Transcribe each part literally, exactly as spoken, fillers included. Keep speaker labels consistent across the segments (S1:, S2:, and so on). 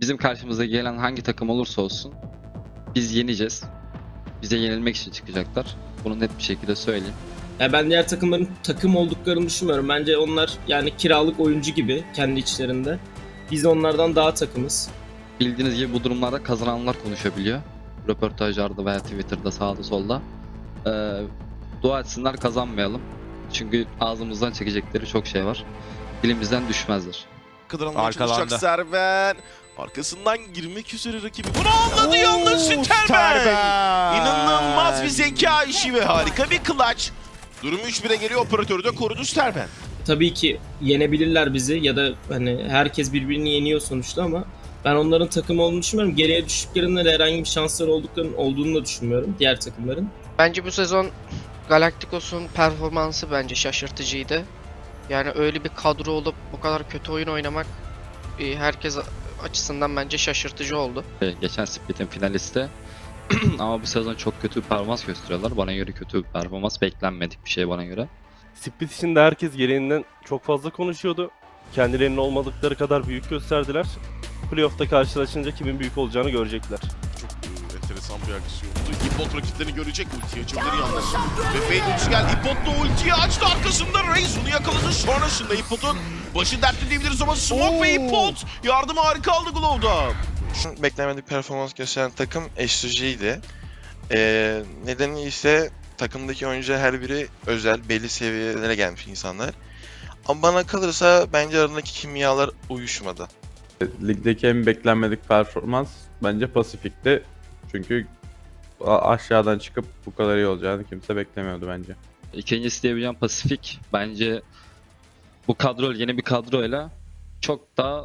S1: Bizim karşımıza gelen hangi takım olursa olsun biz yeneceğiz. Bize yenilmek için çıkacaklar. Bunu net bir şekilde söyleyeyim.
S2: Ya ben diğer takımların takım olduklarını düşünmüyorum. Bence onlar yani kiralık oyuncu gibi kendi içlerinde. Biz onlardan daha takımız.
S1: Bildiğiniz gibi bu durumlarda kazananlar konuşabiliyor. Röportajlarda veya Twitter'da sağda solda. Ee, dua etsinler kazanmayalım. Çünkü ağzımızdan çekecekleri çok şey var. Dilimizden düşmezler.
S3: Kıdranmaya çalışacak Serben. Arkasından girmek üzere rakibi. Bunu anladı yalnız Sterben. İnanılmaz bir zeka işi ve harika bir clutch. Durum üç bire geliyor. Operatörü de korudu Sterben.
S2: Tabii ki yenebilirler bizi ya da hani herkes birbirini yeniyor sonuçta ama ben onların takım olduğunu düşünmüyorum. Geriye düştüklerinde de herhangi bir şansları olduklarının olduğunu da düşünmüyorum diğer takımların.
S4: Bence bu sezon Galacticos'un performansı bence şaşırtıcıydı. Yani öyle bir kadro olup bu kadar kötü oyun oynamak e, herkes açısından bence şaşırtıcı oldu.
S1: Ee, Geçen Split'in finalisti. Ama bu sezon çok kötü bir performans gösteriyorlar. Bana göre kötü bir performans. Beklenmedik bir şey bana göre.
S5: Split içinde herkes gereğinden çok fazla konuşuyordu. Kendilerinin olmadıkları kadar büyük gösterdiler. Playoff'ta karşılaşınca kimin büyük olacağını görecekler.
S3: Çok e, enteresan bir aksiyon oldu. Hipot rakiplerini görecek. Ultiyi açabilir yalnız. Ve Fade ultisi geldi. Hipot da ultiyi açtı. Arkasında Reis onu yakaladı. Sonrasında Hipot'un başı dertli diyebiliriz ama Smoke ve Hipot yardım harika aldı Glow'da.
S6: Beklenmedik performans gösteren takım S G G'ydi. Ee, nedeni ise takımdaki oyuncular her biri özel, belli seviyelere gelmiş insanlar. Ama bana kalırsa bence aralarındaki kimyalar uyuşmadı.
S7: Ligdeki en beklenmedik performans bence Pasifik'ti. Çünkü a- aşağıdan çıkıp bu kadar iyi olacağını kimse beklemiyordu bence.
S1: İkincisi diyebileceğim Pasifik. Bence bu kadro yeni bir kadroyla çok daha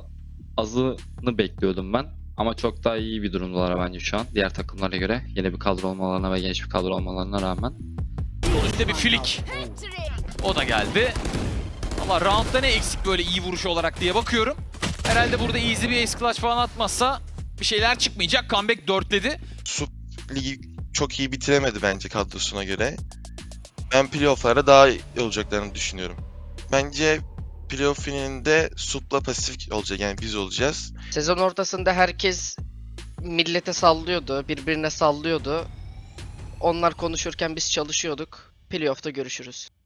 S1: azını bekliyordum ben. Ama çok daha iyi bir durumdalar bence şu an. Diğer takımlara göre yeni bir kadro olmalarına ve genç bir kadro olmalarına rağmen.
S8: Sonuçta bir flick. O da geldi. Ama roundda ne eksik böyle iyi vuruş olarak diye bakıyorum. Herhalde burada easy bir ace clutch falan atmazsa bir şeyler çıkmayacak. Comeback dörtledi.
S6: Sup ligi çok iyi bitiremedi bence kadrosuna göre. Ben playoff'lara daha iyi olacaklarını düşünüyorum. Bence playoff finalinde Sup'la Pasifik olacak, yani biz olacağız.
S4: Sezon ortasında herkes millete sallıyordu, birbirine sallıyordu. Onlar konuşurken biz çalışıyorduk. Playoff'ta görüşürüz.